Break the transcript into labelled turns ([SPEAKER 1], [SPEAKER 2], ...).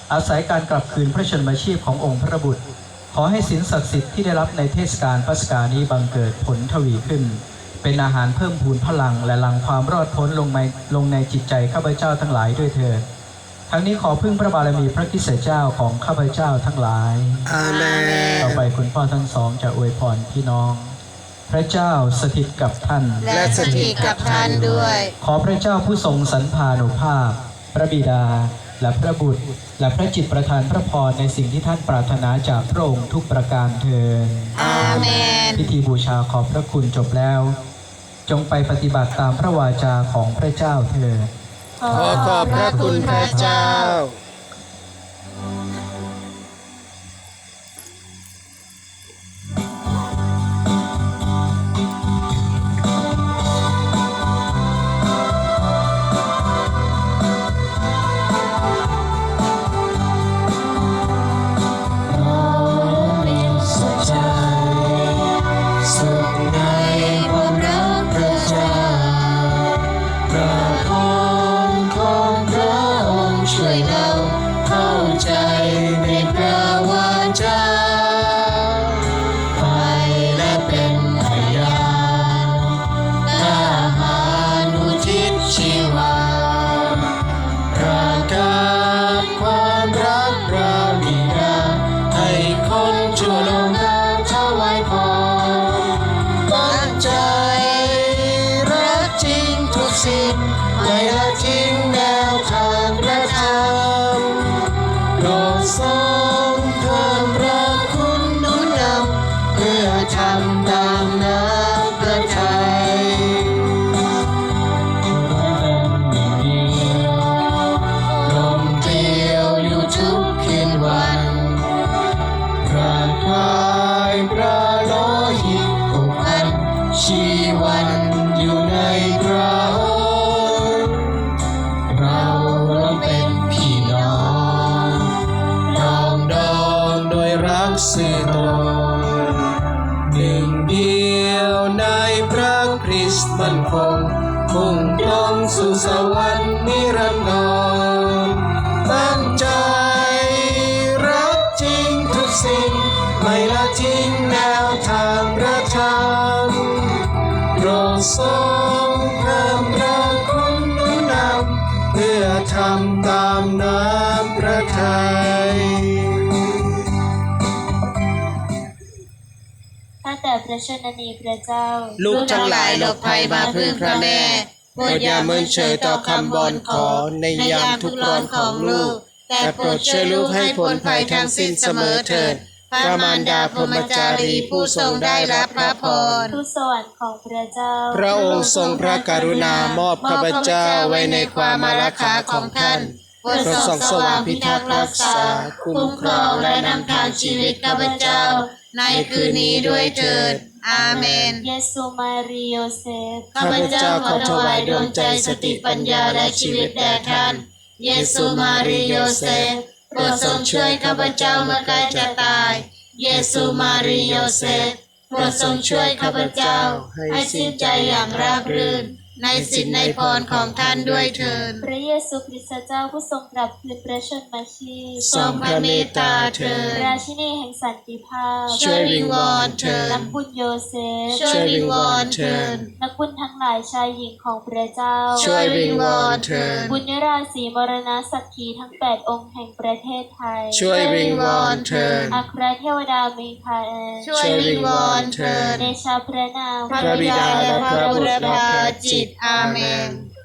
[SPEAKER 1] อาศัยการกลับคืนพระชนมาชีพขององค์พระบุตรขอให้ศีลศักดิ์สิทธิ์ที่ได้รับในเทศกาลปัสกานี้บังเกิดผลทวีขึ้นเป็นอาหารเพิ่มพูนพลังและหลั่งความรอดพ้นลงในจิตใจข้าพเจ้าทั้งหลายด้วยเถิดทั้งนี้ขอพึ่งพระบารมีพระคริสต์เจ้าของข้าพเจ้าทั้งหลาย
[SPEAKER 2] อาเมน
[SPEAKER 1] ต่อไปคุณพ่อทั้งสองจะอวยพรพี่น้องพระเจ้าสถิตกับท่าน
[SPEAKER 2] และสถิตกับท่านด้วย
[SPEAKER 1] ขอพระเจ้าผู้ทรงสรรพานุภาพพระบิดาและพระบุตรและพระจิตประทานพระพรในสิ่งที่ท่านปรารถนาจากพระองค์ทุกประการเถิด
[SPEAKER 2] อาเมน
[SPEAKER 1] พิธีบูชาขอบพระคุณจบแล้วจงไปปฏิบัติตามพระวาจาของพระเจ้าเถิด
[SPEAKER 2] ขอบพระคุณพระเจ้า
[SPEAKER 3] ไม่ละทิ้งแนวทางพระธรรมโปรดทรงเพิ่มพระคุณหนุนนำเพื่อทำตามน้ำพระทัยลมเดียวอยู่ทุกคืนวันร่างกายพระโลหิตผูกพันชีวันอยู่ในพระสื่อตรงหนึ่งเดียวในพระคริสต์มั่นคงมุ่งตรงสู่สวรรค์นิรันดรตั้งใจรักจริงทุกสิ่งไม่ละทิ้งแนวทางพระธรรมโปรดทรงเพิ่มพระคุณหนุนนำเพื่อทำตามน้ำพระทัย
[SPEAKER 4] แต่พระชนนีพระเจ้า
[SPEAKER 2] ลูกทั้งหลายหลบภัยมาพึ่งพระแม่โปรดอย่าเมินเฉยต่อคำบอนขอในยามทุกข์ร้อนของลูกแต่โปรดช่วยลูกให้พ้นภัยทั้งสิ้นเสมอเถิดพระมารดาพรหมจารีผู้ทรงได้รับพระพร
[SPEAKER 4] ทูตสวรรค์ของพระเจ้า
[SPEAKER 2] พระองค์ทรงพระกรุณามอบข้าพเจ้าไว้ในความอารักขาของท่านโปรดส่องสว่างพิทักษ์รักษาคุ้มครองและนำทางชีวิตข้าพเจ้าในคืนนี้ด้วยเถิดอาเมน
[SPEAKER 4] เยซูมารีโยเซฟ
[SPEAKER 2] ข้าพเจ้าขอถวายดวงใจสติปัญญาและชีวิตแด่ท่านเยซูมารีโยเซฟโปรดทรงช่วยข้าพเจ้าเมื่อใกล้จะตายเยซูมารีโยเซฟโปรดทรงช่วยข้าพเจ้าให้สิ้นใจอย่างราบรื่นในสิทธิในพรของท่านด้วยเถิด
[SPEAKER 4] พระเยซูคริสต์เจ้าผู้ทรงกลับคืนพระชนมาชีพ
[SPEAKER 2] ทรงพระเมตตาเถิด
[SPEAKER 4] ราชินีแห่งสันติภาพ
[SPEAKER 2] ช่วยวิงวอนเถิด
[SPEAKER 4] นักบุญโยเซฟ
[SPEAKER 2] ช่วยวิงวอนเถิด
[SPEAKER 4] นักบุญทั้งหลายชายหญิงของพระเจ้า
[SPEAKER 2] ช่วยวิงวอนเถิด
[SPEAKER 4] บุญยราศีมรณะสักขีทั้ง8องค์แห่งประเทศไทย
[SPEAKER 2] ช่วยวิงวอนเถิด
[SPEAKER 4] อัครเทวดามีคาเอล
[SPEAKER 2] ช่วยวิงวอนเถิด
[SPEAKER 4] เดชะพระนาม
[SPEAKER 2] พระบิดาและพระบุตรและพระจิตอาเมน